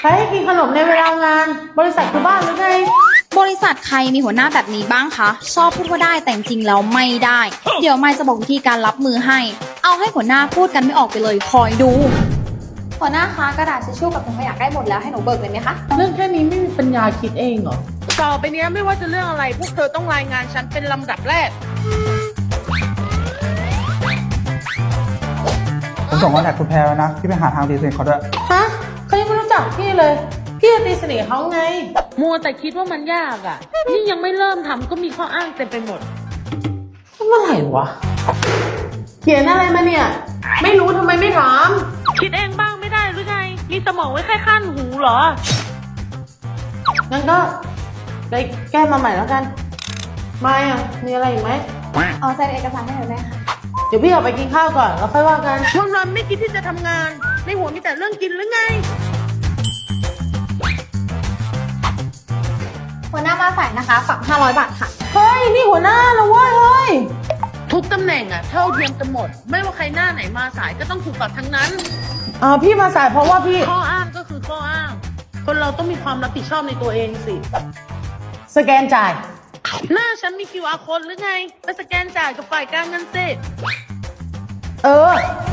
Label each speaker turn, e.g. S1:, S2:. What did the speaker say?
S1: ใครให้กินขนมในเวลางาน บริษัทคือบ้านหรือไง
S2: บริษัทใครมีหัวหน้าแบบนี้บ้างคะ ชอบพูดว่าได้แต่จริงๆแล้วไม่ได้ เดี๋ยวไม่จะบอกวิธีการรับมือให้ เอาให้หัวหน้าพูดกันไม่ออกไปเลยคอยดู หัวหน้าคะกระดาษทิชชู่กับถุงขยะใกล้หมดแล้วให้หนูเบิกเลยไหมคะ
S1: เรื่องแค่นี้ไม่มีปัญญาคิดเองเหรอ
S3: ต่อไปเนี้ยไม่ว่าจะเรื่องอะไรพวกเธอต้องรายงานฉันเป็นลำดับแรก
S4: ผมส่งคอนแทคคุณแพรแล้วนะพี่ไปหาทางตีสนิทเขาด้วย
S1: ฮะเขายังไม่รู้จักพี่เลย พี่จะตีสนิทเขาไง
S3: มัวแต่คิดว่ามันยากอ่ะนี่ยังไม่เริ่มทำก็มีข้ออ้างเต็มไปหมด
S1: เมื่อไหร่วะ เขียนอะไรมาเนี่ย ไม่รู้ทำไมไม่ถาม
S3: คิดเองบ้างไม่ได้หรือไง มีสมองไว้แค่ขั้นหูเหรอ
S1: งั้นก็ไปแก้มาใหม่แล้วกัน ไม่อ่ะ มีอะไรอีกไหม
S2: เอาเซ็นเอกสารให้หนูได้ค่ะ
S1: เดี๋ยวพี่ออกไปกินข้าวก่อนแล้วค่อยว่ากัน
S3: วันๆไม่คิดที่จะทำงาน ในหัวมีแต่เรื่องกินหรือไง
S2: หัวหน้ามาสายนะคะฝาก500 บาทค่ะ
S1: เฮ้ย นี่หัวหน้านะเว้ยเฮ้ย
S3: ทุกตำแหน่งอ่ะเท่าเทียมกันหมด ไม่ว่าใครหน้าไหนมาสายก็ต้องถูกปรับทั้งนั้น
S1: พี่มาสายเพราะว่าพี่
S3: ข้ออ้างก็คือข้ออ้าง คนเราต้องมีความรับผิดชอบในตัวเองสิ
S1: สแกนจ่าย
S3: หน้าฉันมี QR code หรือไง ไปสแกนจ่ายกับฝ่ายการเงินสิ
S1: เออ